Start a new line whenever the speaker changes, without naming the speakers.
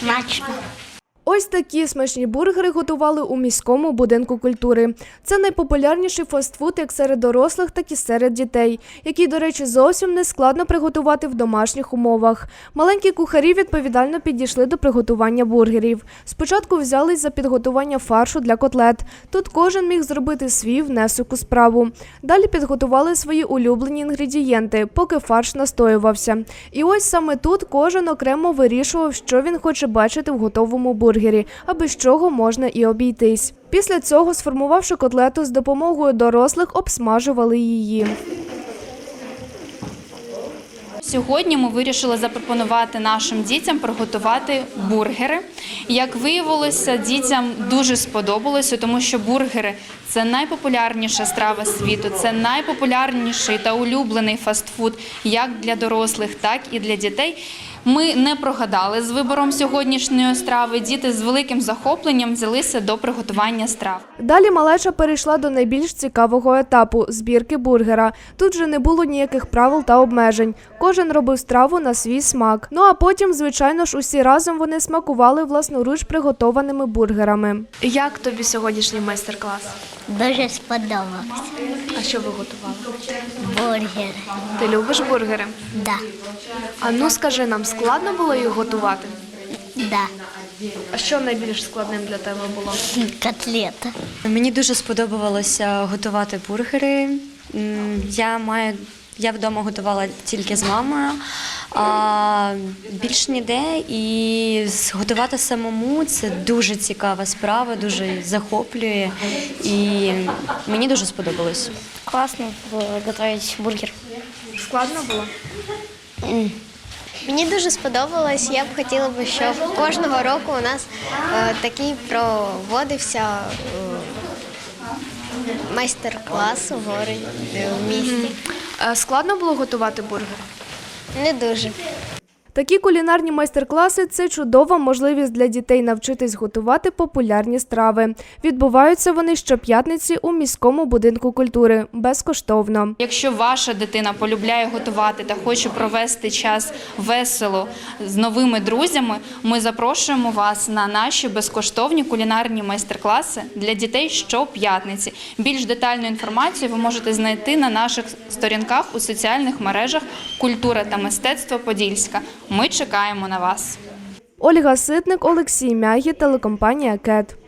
Смачно.
Ось такі смачні бургери готували у міському будинку культури. Це найпопулярніший фастфуд як серед дорослих, так і серед дітей, який, до речі, зовсім не складно приготувати в домашніх умовах. Маленькі кухарі відповідально підійшли до приготування бургерів. Спочатку взялись за підготування фаршу для котлет. Тут кожен міг зробити свій внесок у справу. Далі підготували свої улюблені інгредієнти, поки фарш настоювався. І ось саме тут кожен окремо вирішував, що він хоче бачити в готовому бургері, а без чого можна і обійтись. Після цього, сформувавши котлету, з допомогою дорослих обсмажували її.
Сьогодні ми вирішили запропонувати нашим дітям приготувати бургери. Як виявилося, дітям дуже сподобалося, тому що бургери – це найпопулярніша страва світу, це найпопулярніший та улюблений фастфуд як для дорослих, так і для дітей. Ми не прогадали з вибором сьогоднішньої страви. Діти з великим захопленням взялися до приготування страв.
Далі малеча перейшла до найбільш цікавого етапу – збірки бургера. Тут же не було ніяких правил та обмежень. Кожен робив страву на свій смак. Ну а потім, звичайно ж, усі разом вони смакували власноруч приготованими бургерами. Як тобі сьогоднішній майстер-клас?
Дуже сподобалось.
А що ви готували?
Бургер.
Ти любиш бургери?
Да.
А ну скажи нам, складно було їх готувати?
Да.
А що найбільш складним для тебе було?
Котлета.
Мені дуже сподобалося готувати бургери. Я вдома готувала тільки з мамою, а більш ніде. І готувати самому – це дуже цікава справа, дуже захоплює. І мені дуже сподобалось.
Класно було готувати бургер.
Складно було?
Мені дуже сподобалось. Я б хотіла б, щоб кожного року у нас такий проводився майстер-клас у в місті.
Складно було готувати бургер?
Не дуже.
Такі кулінарні майстер-класи – це чудова можливість для дітей навчитись готувати популярні страви. Відбуваються вони щоп'ятниці у міському будинку культури безкоштовно.
Якщо ваша дитина полюбляє готувати та хоче провести час весело з новими друзями, ми запрошуємо вас на наші безкоштовні кулінарні майстер-класи для дітей щоп'ятниці. Більш детальну інформацію ви можете знайти на наших сторінках у соціальних мережах «Культура та мистецтво Подільська». Ми чекаємо на вас.
Ольга Ситник, Олексій Мягі, телекомпанія «КЕТ».